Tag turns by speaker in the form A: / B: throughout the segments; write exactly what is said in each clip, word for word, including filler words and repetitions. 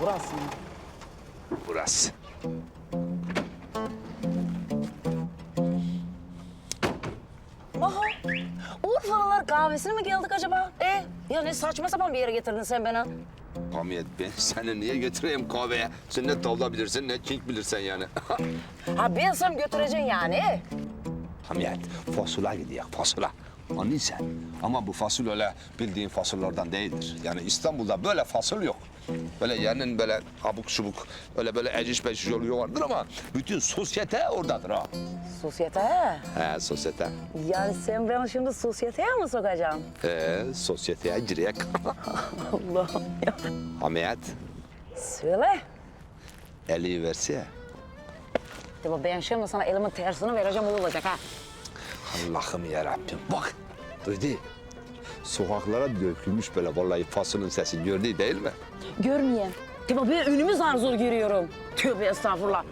A: Burası mı?
B: Burası.
A: Aha, Urfalılar kahvesine mi geldik acaba? E, ya ne saçma sapan bir yere getirdin sen beni.
B: Hamiyet, ben seni niye götüreyim kahveye? Sen ne tavla bilirsin ne king bilirsen yani.
A: Ha bilsem götüreceksin yani.
B: Hamiyet, fasula gidiyor, fasula. Anlıyorsun. Ama bu fasul öyle bildiğin fasullardan değildir. Yani İstanbul'da böyle fasul yok. Böyle yerinin böyle abuk şubuk, öyle böyle eciş beşiş yolu vardır ama bütün sosyete oradadır ha.
A: Sosyete.
B: He, sosyete.
A: Yani sen beni şimdi sosyeteye mi sokacaksın?
B: He, sosyeteye girek.
A: Allah'ım ya.
B: Hamiyet,
A: Söyle.
B: eli verse.
A: Ya ben şimdi sana elimin tersini vereceğim, o olacak ha.
B: Allah'ım yarabbim, bak. Duydu. Sokaklara dökülmüş böyle vallahi fasulun sesi gördü değil mi?
A: Görmeyeyim. Ya ben önümü zar zor görüyorum. Tövbe estağfurullah.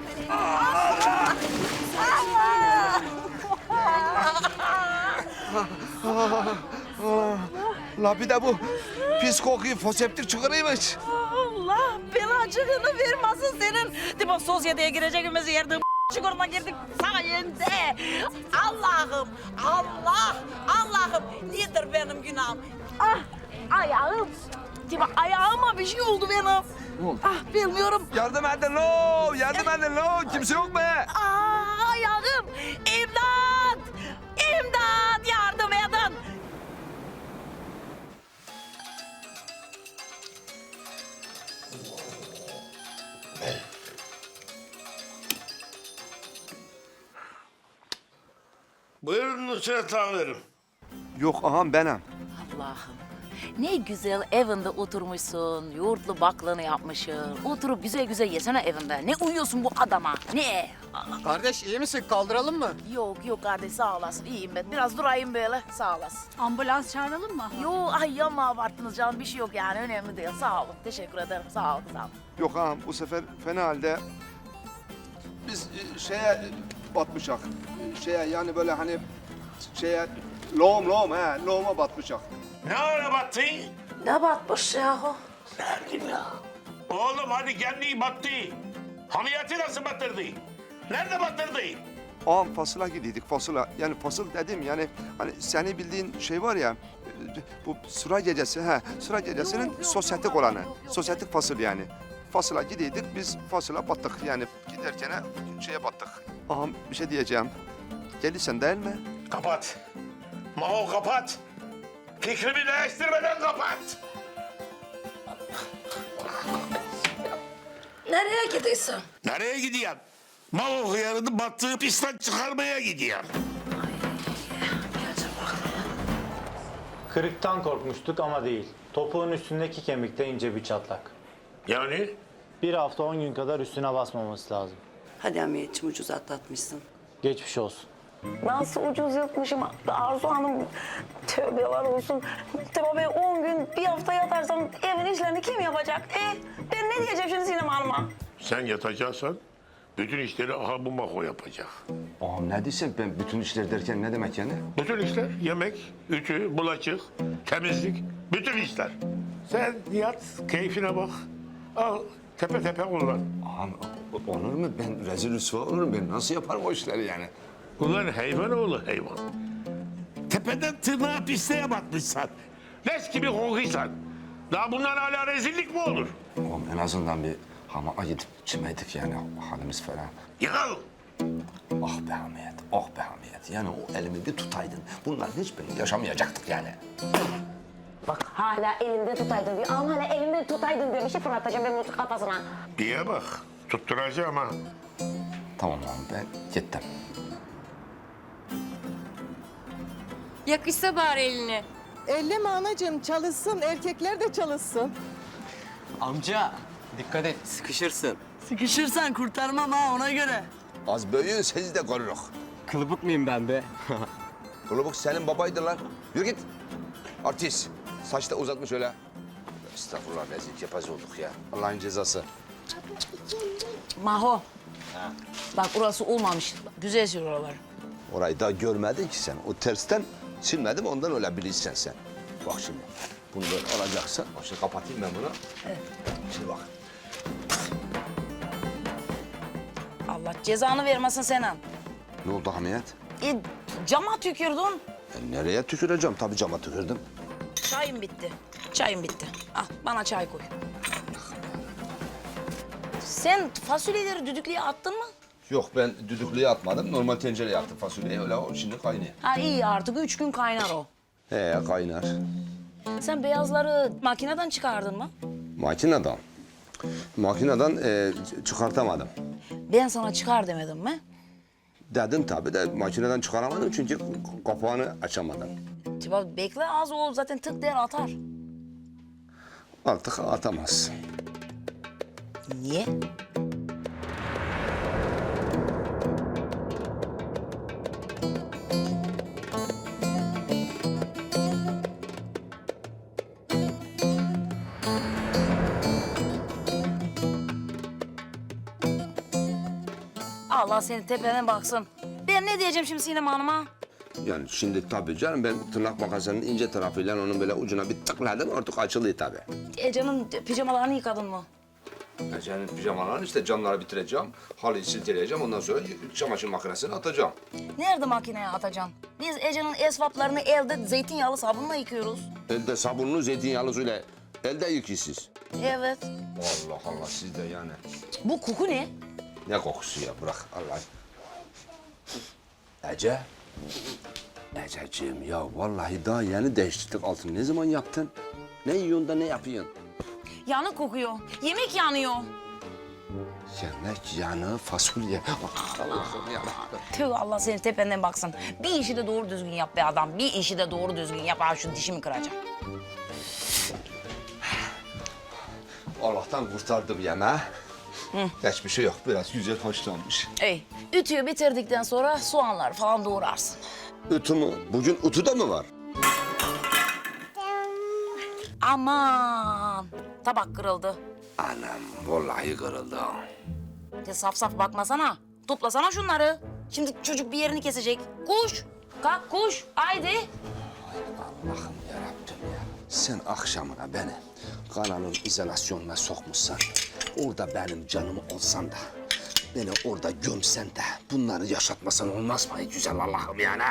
B: La bir de bu pis kokuyu foseptik çıkarıymış.
A: Allah belacığını vermesin senin. Değil mi sosyeteye gireceğimiz yerde çukuruna girdik sayende. Allah'ım, Allah, Allah'ım nedir benim günahım? Ah, ayağım. Değil mi ayağıma bir şey oldu benim. Ah bilmiyorum.
B: Yardım edin lo, yardım edin lo. Kimse yok mu?
A: Ah ayağım. İmdat, imdat yardım edin.
C: Buyurun Nusret amirim.
B: Yok ağam benim.
D: Allah'ım ne güzel evinde oturmuşsun, yoğurtlu baklığını yapmışsın. Oturup güzel güzel yesene evinde. Ne uyuyorsun bu adama, ne?
E: Kardeş iyi misin? Kaldıralım mı?
D: Yok yok kardeş sağ olasın, iyiyim ben. Biraz durayım böyle, sağ olasın.
F: Ambulans çağıralım mı?
D: Yok ay yapma abarttınız canım, bir şey yok yani önemli değil. Sağ olun, teşekkür ederim, sağ olun, sağ olun.
G: Yok ağam bu sefer fena halde biz e, şeye batmışak. Şeye yani böyle hani şeye loğum loğum he loğuma batmışak.
C: Ne ara battı?
D: Ne batmış yahu?
C: Nerede ya? Oğlum hadi kendi battı. Hamiyeti nasıl batırdı? Nerede batırdı?
G: Ağam fasıla gidiydik fasıla. Yani fasıl dedim yani hani seni bildiğin şey var ya e, bu sıra gecesi he sıra gecesinin sosyetik olanı. Sosyetik fasıl yani. Fasıla gidiydik biz fasıla battık yani giderken şeye battık. Ağam bir şey diyeceğim. Gelirsen değil mi?
C: Kapat. Mao kapat. Fikrimi değiştirmeden kapat.
D: Nereye gidiyorsun?
C: Nereye gidiyorsun? Mao hıyarını battığı pistten çıkarmaya gidiyorsun.
H: Kırıktan korkmuştuk ama değil. Topuğun üstündeki kemikte ince bir çatlak.
C: Yani?
H: Bir hafta on gün kadar üstüne basmaması lazım.
I: Hadi Hamiyetciğim ucuz atlatmışsın.
H: Geçmiş olsun.
A: Nasıl ucuz yatmışım Arzu Hanım. Tövbeler olsun. Tamam ben on gün bir hafta yatarsam evin işlerini kim yapacak? E ben ne diyeceğim şimdi Sinem Hanım'a?
C: Sen yatacaksan bütün işleri aha bu Mako yapacak.
G: Ağam ne diyorsun ben bütün işler derken ne demek yani?
C: Bütün işler yemek, ütü, bulaşık, temizlik, bütün işler. Sen yat, keyfine bak. Al, tepe tepe kullan.
G: Ağam olur mu ben rezil rüsva olurum ben nasıl yaparım o işleri yani?
C: Ulan hayvan oğlu hayvan. Tepeden tırnağa pisliğe batmışsan. Leş gibi kokuysan. Daha bundan hala rezillik mi olur?
G: Ağam en azından bir hamağa gidip çimeydik yani halimiz falan.
C: Yıkıl.
G: Ah be Hamiyet, ah be Hamiyet. Yani o elimi bir tutaydın. Bunların hiçbirini yaşamayacaktık yani.
A: Bak hala elinde tutaydın diyor. Ama hala elinde tutaydın diyor. Bir şey fırlatacağım ben bunun kafasına.
C: Diye bak. Tutturacağım ha.
G: Tamam ağam ben gittim.
F: Yakışsa bari elini.
J: Elleme anacığım çalışsın, erkekler de çalışsın.
E: Amca dikkat et sıkışırsın.
I: Sıkışırsan kurtarmam ha ona göre.
B: Az büyüğün sizi de koruruk.
E: Kılıbık mıyım ben be?
B: Kılıbık senin babaydı lan. Yürü git. Artist. Saç da uzatmış öyle. Estağfurullah rezil kepaz olduk ya. Allah'ın cezası.
D: Maho. Bak orası olmamış. Güzel sür oralar.
B: Orayı daha görmedin ki sen. O tersten silmedim ondan öyle bilirsen sen. Bak şimdi bunu böyle alacaksın. Bak şimdi kapatayım ben bunu. Evet. Şimdi bak.
D: Allah cezanı vermesin senin.
B: Ne oldu Hamiyet?
D: E, cama tükürdün.
B: E, nereye tüküreceğim? Tabii cama tükürdüm.
D: Çayım bitti. Çayım bitti. Al bana çay koy. Sen fasulyeleri düdüklüye attın mı?
B: Yok ben düdüklüye atmadım. Normal tencereye attım fasulyeyi. Öyle o şimdi kaynıyor.
D: Ha iyi artık üç gün kaynar o.
B: He kaynar.
D: Sen beyazları makineden çıkardın mı?
B: Makineden. Makineden e, çıkartamadım.
D: Ben sana çıkar demedim mi?
B: Dedim tabii de makineden çıkaramadım çünkü kapağını açamadım.
D: Tiba bekle az o zaten tık der atar.
B: Artık atamaz.
D: Niye? Allah senin tepene baksın. Ben ne diyeceğim şimdi Sinem Hanım'a?
B: Yani şimdi tabii canım ben tırnak makasının ince tarafıyla onun böyle ucuna bir tıkladım artık açılıyor tabii.
D: Ece'nin pijamalarını yıkadın mı?
B: Ece'nin pijamalarını işte camları bitireceğim, halıyı silteleyeceğim ondan sonra çamaşır makinesine atacağım.
D: Nerede makineye atacaksın? Biz Ece'nin esvaplarını elde zeytinyağlı sabunla yıkıyoruz.
B: Elde sabunlu zeytinyağlı suyla elde yıkıyorsunuz.
D: Evet.
B: Allah Allah siz de yani.
D: Bu koku ne?
B: Ne kokusu ya bırak Allah. Ece. Ececiğim ya vallahi daha yeni değiştirdik altını. Ne zaman yaptın? Ne yiyorsun da ne yapıyorsun?
D: Yanık kokuyor. Yemek yanıyor.
B: Yemek yanı fasulye. Allah'ım ya.
D: Tüh Allah senin tependen baksın. Bir işi de doğru düzgün yap be adam. Bir işi de doğru düzgün yap. Ha şu dişimi kıracağım.
B: Allah'tan kurtardım yemeği. Hiçbir şey yok. Biraz güzel haşlanmış.
D: Ey, ütüyü bitirdikten sonra soğanlar falan doğrarsın.
B: Ütü mü? Bugün ütü de mi var?
D: Aman, tabak kırıldı.
B: Anam vallahi kırıldı.
D: De saf saf bakmasana. Toplasana şunları. Şimdi çocuk bir yerini kesecek. Koş, kalk koş. Haydi.
B: Allah'ım yarabbim ya. Sen akşamına beni kanalın izolasyonuna sokmuşsan, orada benim canımı olsan da, beni orada gömsen de bunları yaşatmasan olmaz mı güzel Allah'ım yani?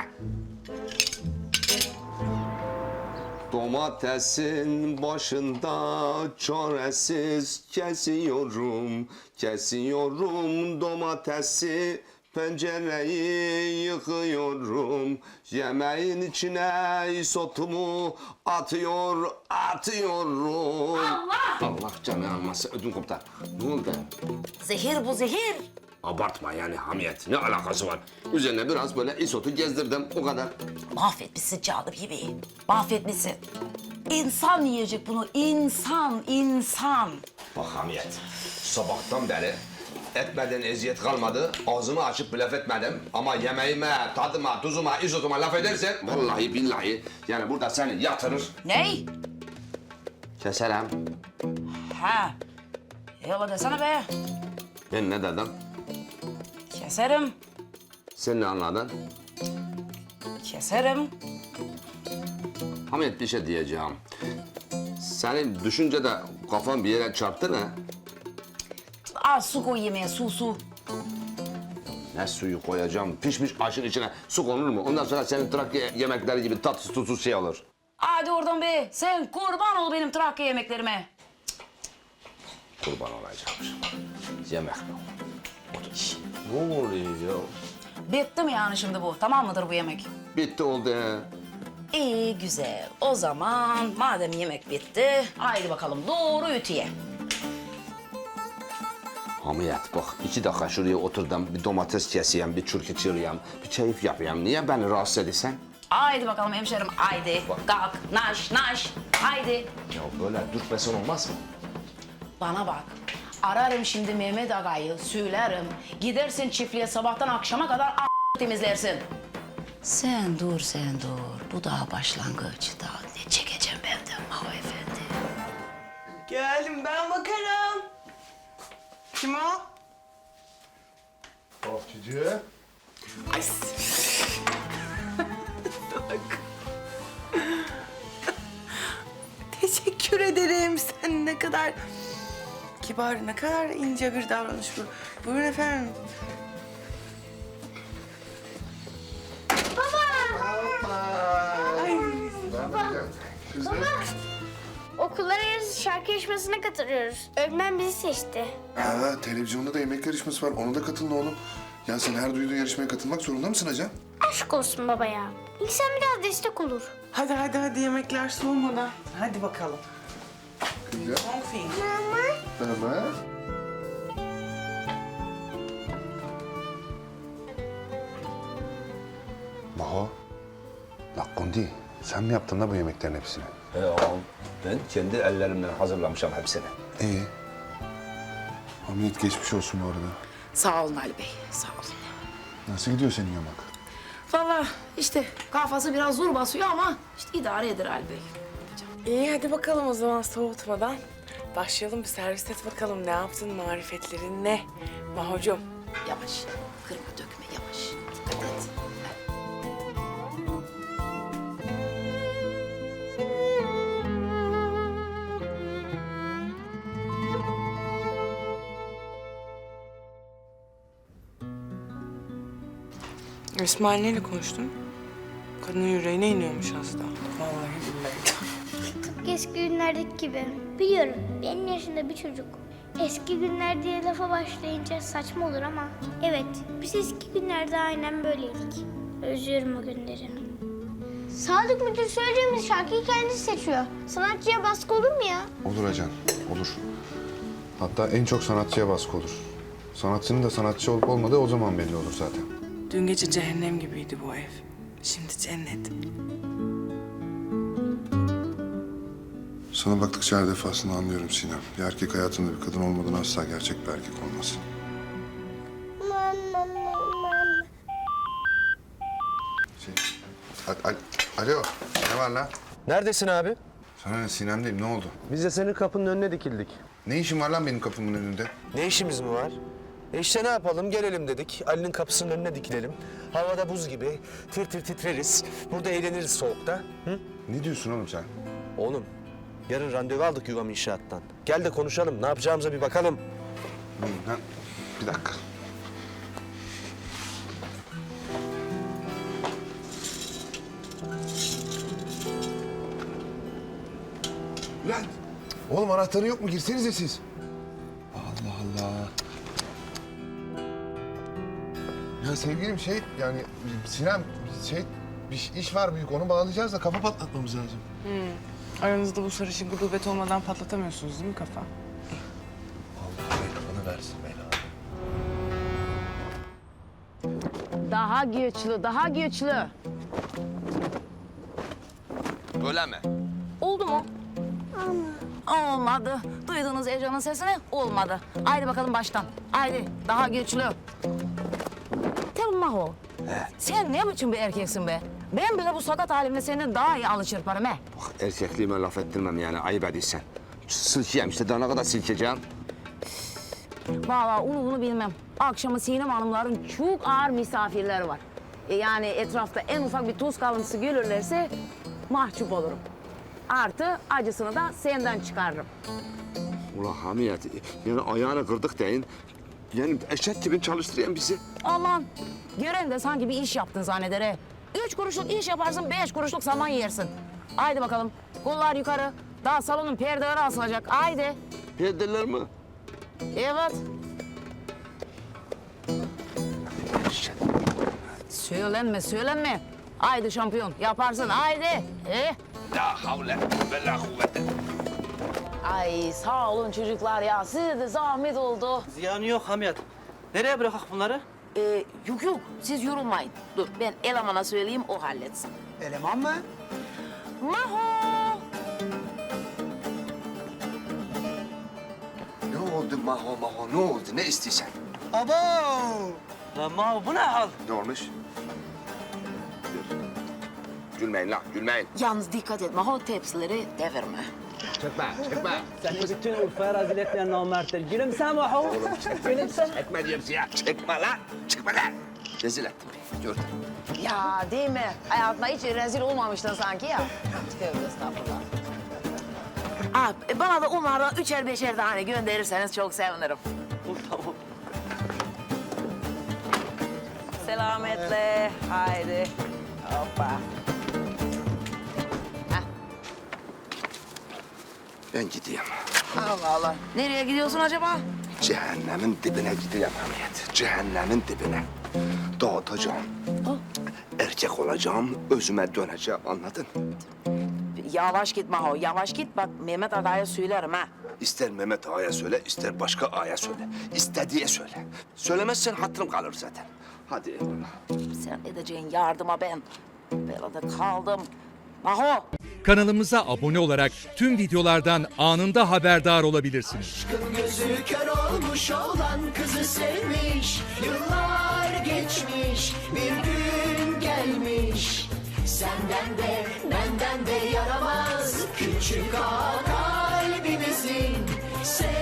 B: Domatesin başında çaresiz kesiyorum, kesiyorum domatesi. Pencereyi yıkıyorum, yemeğin içine isotumu atıyor, atıyorum. Allah! Allah canı almasın, ödüm koptu. Ne oldu?
D: Zehir bu zehir.
B: Abartma yani Hamiyet, ne alakası var? Üzerine biraz böyle isotu gezdirdim, o kadar.
D: Mahvetmişsin canım gibi. Mahvetmişsin. İnsan yiyecek bunu. İnsan, insan.
B: Bak Hamiyet, sabahtan beri etmeden eziyet kalmadı. Ağzımı açıp laf etmedim. Ama yemeğime, tadıma, tuzuma, izotuma laf edersen... Vallahi billahi yani burada seni yatırır.
D: Ney?
B: Keserim.
D: Ha. Yola desene be.
B: Ben ne dedim?
D: Keserim.
B: Sen ne anladın?
D: Keserim.
B: Hamiyet bir şey diyeceğim. Senin düşünce de kafan bir yere çarptı ne?
D: Az su koy yemeğe, su su.
B: Ne suyu koyacağım? Pişmiş aşın içine su konur mu? Ondan sonra senin Trakya yemekleri gibi tatsız tuzsuz şey olur.
D: Hadi oradan be. Sen kurban ol benim Trakya yemeklerime.
B: Kurban olacakmış. Yemek mi? Ne oluyor ya?
D: Bitti mi yani şimdi bu? Tamam mıdır bu yemek?
B: Bitti oldu he.
D: İyi güzel. O zaman madem yemek bitti, haydi bakalım doğru ütüye.
B: Hamiyet bak iki dakika şuraya oturdum. Bir domates keseyim, bir çürkü çırıyam, bir keyif yapayım. Niye beni rahatsız ediyorsun?
D: Haydi bakalım hemşerim, haydi. Kalk, naş, naş, haydi.
B: Ya böyle dürtmesen olmaz mı?
D: Bana bak. Ararım şimdi Mehmet Aga'yı, söylerim. Gidersin çiftliğe sabahtan akşama kadar a- temizlersin. Sen dur, sen dur. Bu daha başlangıç. Daha ne çekeceğim benden Maho Efendi.
J: Geldim ben bakarım. Kim o?
C: Bahçıcı.
J: Ay. Teşekkür ederim. Sen ne kadar kibar, ne kadar ince bir davranış bu. Buyurun efendim.
K: Okullar arası şarkı yarışmasına katılıyoruz. Öğretmen bizi seçti.
L: Ha, televizyonda da yemek yarışması var. Ona da katılın oğlum. Ya sen her duyduğun yarışmaya katılmak zorunda mısın Acan?
K: Aşk olsun baba ya. İnsan biraz destek olur.
J: Hadi hadi hadi yemekler soğumadan. Hadi bakalım.
L: Güzel.
K: Mama.
L: Tamam.
B: Maho. La Kundi, sen mi yaptın da bu yemeklerin hepsini? He oğlum, ben kendi ellerimle hazırlamışım hepsini.
L: İyi. Hamiyet geçmiş olsun bu arada.
D: Sağ olun Ali Bey, sağ olun.
L: Nasıl gidiyor senin yamak?
D: Vallahi işte kafası biraz zor basıyor ama işte idare eder Ali Bey.
J: İyi hadi bakalım o zaman soğutmadan. Başlayalım bir servis et bakalım ne yaptın, marifetlerin ne? Mahocuğum.
D: Yavaş, kırma dökme yavaş. Dikkat et.
J: İsmail neyle konuştun? Kadının yüreğine iniyormuş hasta. Vallahi billahi.
K: Tıpkı eski günlerdeki gibi. Biliyorum benim yaşında bir çocuk. Eski günler diye lafa başlayınca saçma olur ama... Evet, biz eski günlerde aynen böyleydik. Özlüyorum o günleri. Sadık Müdür söyleyeceğimiz şarkıyı kendisi seçiyor. Sanatçıya baskı olur mu ya?
L: Olur Acan, olur. Hatta en çok sanatçıya baskı olur. Sanatçının da sanatçı olup olmadığı o zaman belli olur zaten.
J: Dün gece cehennem gibiydi bu ev. Şimdi cennet.
L: Sana baktıkça her defasında anlıyorum Sinem. Bir erkek hayatında bir kadın olmadan asla gerçek bir erkek olmaz. Şey, a- a- Alo, ne var lan?
E: Neredesin abi?
L: Sana ne, Sinem'deyim, ne oldu?
E: Biz de senin kapının önüne dikildik.
L: Ne işin var lan benim kapımın önünde?
E: Ne işimiz mi var? E işte ne yapalım? Gelelim dedik. Ali'nin kapısının önüne dikilelim. Havada buz gibi. Tir tir titreriz. Burada eğleniriz soğukta. Hı?
L: Ne diyorsun oğlum sen?
E: Oğlum, yarın randevu aldık Yuvam İnşaat'tan. Gel de konuşalım. Ne yapacağımıza bir bakalım.
L: Ha, bir dakika. Lan! Oğlum anahtarı yok mu? Girsenize siz. Allah Allah. Ya sevgilim şey yani Sinem şey bir iş var büyük onu bağlayacağız da kafa patlatmamız lazım.
J: Aranızda bu sarışın gudubet olmadan patlatamıyorsunuz değil mi kafa?
E: Allah belanı versin belanı.
D: Daha güçlü, daha güçlü.
B: Öyle mi?
D: Oldu mu? Olmadı. Duydunuz Ece'nin sesini? Olmadı. Haydi bakalım baştan. Haydi daha güçlü. Tabii Maho. Sen ne biçim bir erkeksin be? Ben bile bu sakat halimle senden daha iyi alışırparım he.
B: Bak erkekliğime laf ettirmem yani ayıp ediysen. Silkeyim işte daha ne kadar silkeceğim?
D: Vallahi onu bunu bilmem. Akşamı Sinem Hanımların çok ağır misafirleri var. E yani etrafta en ufak bir tuz kalıntısı görürlerse mahcup olurum. Artı acısını da senden çıkarırım.
B: Ulan Hamiyet, yani ayağını kırdık deyin. Yani eşek gibi çalıştıran bizi.
D: Aman gören de sanki bir iş yaptın zanneder he. Üç kuruşluk iş yaparsın, beş kuruşluk saman yersin. Haydi bakalım, kollar yukarı. Daha salonun perdeleri asılacak, haydi.
B: Perdeler mi?
D: Evet. Söylenme, söylenme. Haydi şampiyon, yaparsın, haydi. Eh.
B: La havle ve la kuvvete.
D: Ay sağ olun çocuklar ya, size de zahmet oldu.
E: Ziyanı yok Hamiyet. Nereye bırakak bunları?
D: Ee, yok yok, siz yorulmayın. Dur, ben elemana söyleyeyim, o halletsin.
E: Eleman mı?
D: Maho!
B: Ne oldu Maho Maho ne oldu ne istiyorsan?
E: Abo! Lan Maho bu ne hal?
B: Ne olmuş? Gülmeyin lan gülmeyin.
D: Yalnız dikkat et, Maho tepsileri devirme.
B: Çekme çekme.
E: Senin bütün Urfa'ya rezil etmeyen namertler. Gülümse Maho. Gülümse.
B: Çekme diyorum size. Çekme lan. Çekme lan. Rezil ettin beni. Gördün.
D: Ya değil mi? Hayatında hiç rezil olmamıştın sanki ya. Tövbe estağfurullah. Aa, e, bana da onlardan üçer beşer tane gönderirseniz çok sevinirim.
E: Tamam.
A: Selametle. Haydi. Hoppa.
B: Ben gideyim.
D: Allah Allah. Nereye gidiyorsun acaba?
B: Cehennemin dibine gideyim Hamiyet. Cehennemin dibine. Dağıtacağım. Erkek olacağım, özüme döneceğim, anladın?
D: Yavaş git Maho, yavaş git. Bak Mehmet Aga'ya söylerim ha.
B: İster Mehmet Ağa'ya söyle, ister başka ağaya söyle. İstediğe söyle. Söylemezsen hatırım kalır zaten. Hadi eyvallah.
D: Sen edeceğin yardıma ben belada kaldım. Maho.
M: Kanalımıza abone olarak tüm videolardan anında haberdar olabilirsiniz.
N: Gözü kör olmuş olan kızı sevmiş. Yıllar geçmiş, bir gün gelmiş. Senden de benden de yaramaz küçük ağa kalbimizin.